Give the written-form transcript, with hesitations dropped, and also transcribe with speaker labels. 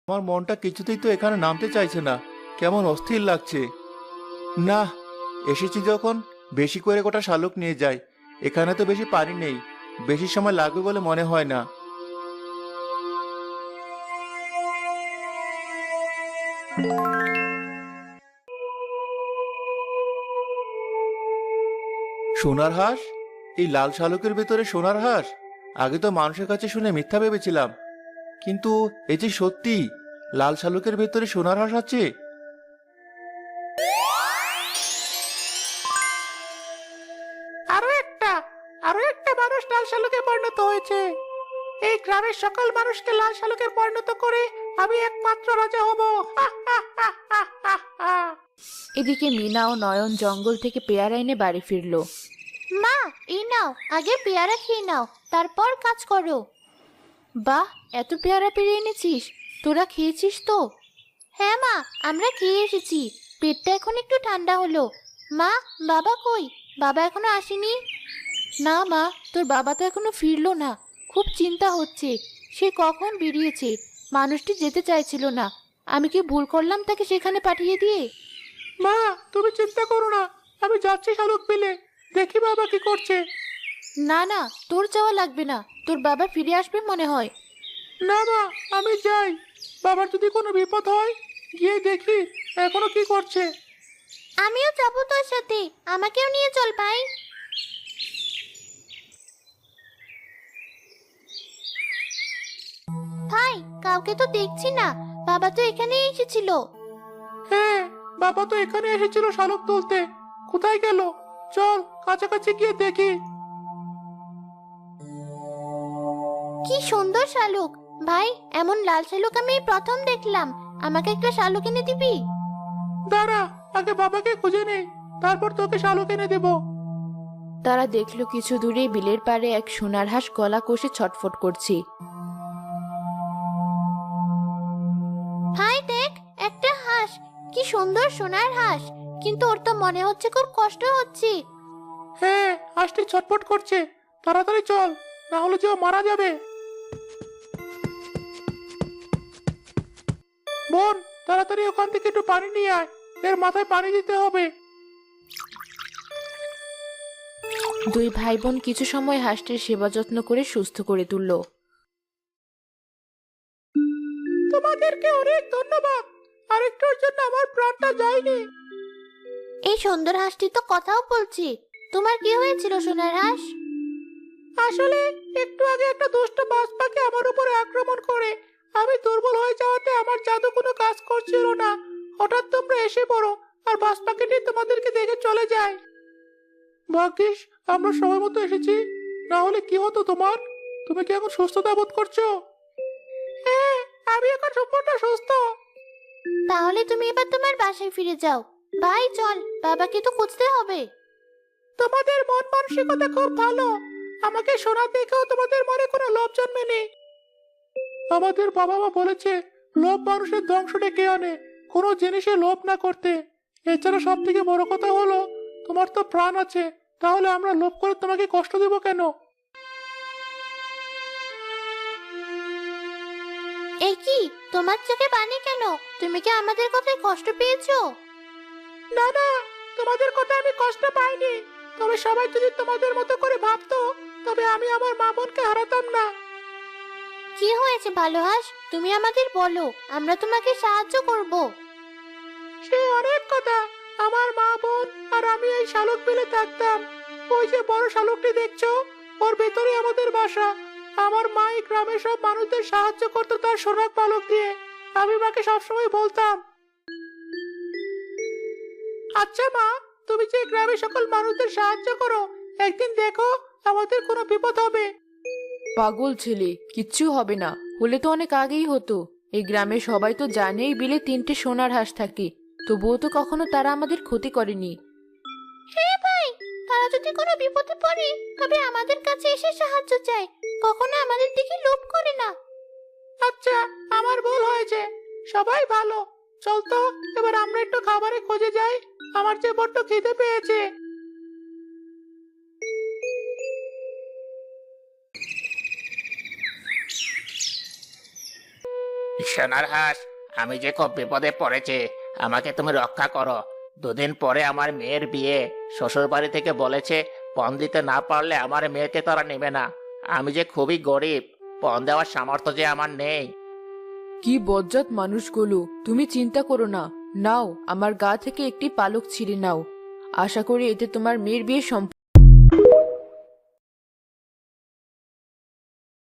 Speaker 1: আমার মনটা কিছুতেই তো এখানে নামতে চাইছে না, কেমন অস্থির লাগছে। না, এসেছি যখন বেশি করে গোটা শালুক নিয়ে যাই। এখানে তো বেশি পানি নেই, বেশি সময় লাগবে বলে মনে হয় না। সোনার হাঁস? এই লাল শালুকের ভেতরে সোনার হাঁস? আগে তো মানুষের কাছে শুনে মিথ্যা ভেবেছিলাম, কিন্তু এই যে সত্যি লাল শালুকের ভেতরে সোনার হাঁস আছে।
Speaker 2: আরো একটা আরো একটা মানুষ লাল শালুকে পরিণত হয়েছে। এই গ্রামের সকল মানুষকে লাল শালুকে পরিণত করে আমি একমাত্র রাজা হব। হা, হা, হা, হা, হা, হা।
Speaker 3: এদিকে মিনা ও নয়ন জঙ্গল থেকে পেয়ারা এনে বাড়ি ফিরলো।
Speaker 4: মা, এই নাও, আগে পেয়ারা খেয়ে নাও, তারপর কাজ করো।
Speaker 3: বাহ, এত পেয়ারা পেরে এনেছিস! তোরা খেয়েছিস তো?
Speaker 4: হ্যাঁ মা, আমরা খেয়ে এসেছি। পেটটা এখন একটু ঠান্ডা হলো। মা, বাবা কই? বাবা এখনো আসেনি?
Speaker 3: না মা, তোর বাবা তো এখনো ফিরলো না। খুব চিন্তা হচ্ছে। সে কখন বেরিয়েছে। মানুষটি যেতে চাইছিল না। আমি কি ভুল করলাম তাকে সেখানে পাঠিয়ে দিয়ে?
Speaker 2: মা, তুমি চিন্তা করো না, আমি যাচ্ছি শালুক পেলে। দেখি বাবা কি করছে।
Speaker 3: না না, তোর যাওয়া লাগবে না। তোর বাবা ফিরে আসবে মনে হয়।
Speaker 2: না মা, আমি যাই। বাবার যদি কোনো বিপদ হয়, গিয়ে দেখি এখনো কি করছে।
Speaker 4: আমিও যাবো তোর সাথে, আমাকেও নিয়ে চল ভাই। ভাই, কাউকে তো দেখছি না। বাবা তো এখানেই এসেছিল।
Speaker 2: হ্যাঁ, বাবা তো এখানে এসেছিল শালুক তুলতে। কোথায় গেল? চল কাছাকাছি গিয়ে দেখি।
Speaker 4: কি সুন্দর শালুক! ভাই, এমন লাল শালুক আমি এই প্রথম দেখলাম। আমাকে একটা শালুক এনে দিবি?
Speaker 2: দাঁড়া, আগে বাবাকে খুঁজে নেই, তারপর তোকে শালুক এনে দেবো।
Speaker 3: তারা দেখলো কিছু দূরে বিলের পাড়ে এক সোনার হাঁস গলা কষে ছটফট করছে।
Speaker 4: ভাই দেখ, একটা হাঁস! কি সুন্দর সোনার হাঁস! কিন্তু ওর তো মনে হচ্ছে খুব কষ্ট হচ্ছে।
Speaker 2: হ্যাঁ, হাঁসটি ছটফট করছে। তাড়াতাড়ি চল, না হলে যে ও মারা যাবে। বোন, তাড়াতাড়ি ওখান থেকে একটু পানি নিয়ে আয়। এর মাথায় পানি দিতে হবে।
Speaker 3: দুই ভাই বোন কিছু সময় হাঁসটির সেবা যত্ন করে সুস্থ করে তুলল।
Speaker 2: তোমাদেরকে অনেক ধন্যবাদ। আরেকটার জন্য আমার প্রাণটা যায়নি।
Speaker 4: এই সুন্দর হাঁসটি তো কথাও বলছে। তোমার কি হয়েছিল সোনার হাঁস?
Speaker 2: আসলে একটু আগে একটা দুষ্ট বাজ পাখি আমার উপরে আক্রমণ করে আমি দুর্বল হয়ে যাওয়াতে আমার জাদু কোনো কাজ করছিল না। হঠাৎ তোমরা এসে পড়ো, আর বাজ পাখিটি তোমাদেরকে দেখে চলে যায়। ভাগ্যিস আমরা সময় মতো এসেছি, না হলে কি হতো তোমার? তুমি কি এখন সুস্থতা বোধ করছো? হ্যাঁ, আমি এখন সম্পূর্ণ সুস্থ।
Speaker 4: তাহলে তুমি এবার তোমার বাসায় ফিরে যাও। ভাই চল, বাবাকে তো খুঁজতে হবে।
Speaker 2: তোমাদের মন মানসিকতা খুব ভালো। আমাকে শোনা দেখেও তোমাদের মনে কোনো লোভ জন্মেনি। আমাদের বাবা মা বলেছে লোভ মানুষের ধ্বংস ডেকে আনে, কোনো জিনিসে লোভ না করতে। এছাড়া সব থেকে বড় কথা হলো তোমার তো প্রাণ আছে, তাহলে আমরা লোভ করে তোমাকে কষ্ট দেব কেন?
Speaker 4: এই কি, তোমার চোখে পানি কেন? তুমি কি আমাদের কথায় কষ্ট পেয়েছো?
Speaker 2: না না, তোমাদের কথা আমি কষ্ট পাইনি। তবে সবাই যদি তোমাদের মতো করে ভাবতো, তবে আমি আমার মা বোনকে হারাতাম না।
Speaker 4: কি হয়েছে ভালো হাঁস? তুমি আমাদের বলো, আমরা তোমাকে সাহায্য করব।
Speaker 2: সে অনেক কথা। আমার মা বোন আর আমি এই শালুক বিলে থাকতাম। ওই যে বড় শালুকটি দেখছো, ওর ভেতরে আমাদের বাসা। আমার মা এই গ্রামের সব মানুষদের সাহায্য করতো তার সোনার পালক দিয়ে। আমি মাকে সবসময় বলতাম, আচ্ছা মা, তুমি যে গ্রামের সকল মানুষদের সাহায্য করো, একদিন দেখো আমাদের কোনো বিপদ হবে।
Speaker 3: পাগল ছেলে, কিচ্ছু হবে না। হলে তো অনেক আগেই হতো। এই গ্রামে সবাই তো জানে এই বিলে 3টে সোনার হাঁস থাকে। তবুও তো কখনো তারা আমাদের ক্ষতি করেনি।
Speaker 4: হ্যাঁ ভাই, তারা যদি কোনো বিপদে পড়ে তবে আমাদের কাছে এসে সাহায্য চায়, কখনো আমাদের দিকে লোভ করে না।
Speaker 2: আচ্ছা, আমার ভুল হয়েছে। সবাই ভালো। চল তো, এবার আমরা একটু খাবারের খোঁজে যাই। আমার যে বড্ড খিদে পেয়েছে। সোনার হাঁস, আমি যে খুব বিপদে পড়েছি, আমাকে তুমি রক্ষা করো। 2 দিন পরে আমার মেয়ের বিয়ে। শ্বশুর বাড়ি থেকে বলেছে পণ দিতে না পারলে আমার মেয়েকে তারা নেবে না। আমি যে খুবই গরিব, পণ দেওয়ার সামর্থ্য যে আমার নেই।
Speaker 3: কি বজ্জাত মানুষগুলো! তুমি চিন্তা করো না, নাও আমার গা থেকে একটি পালক ছিঁড়ে নাও। আশা করি এতে তোমার মেয়ের বিয়ে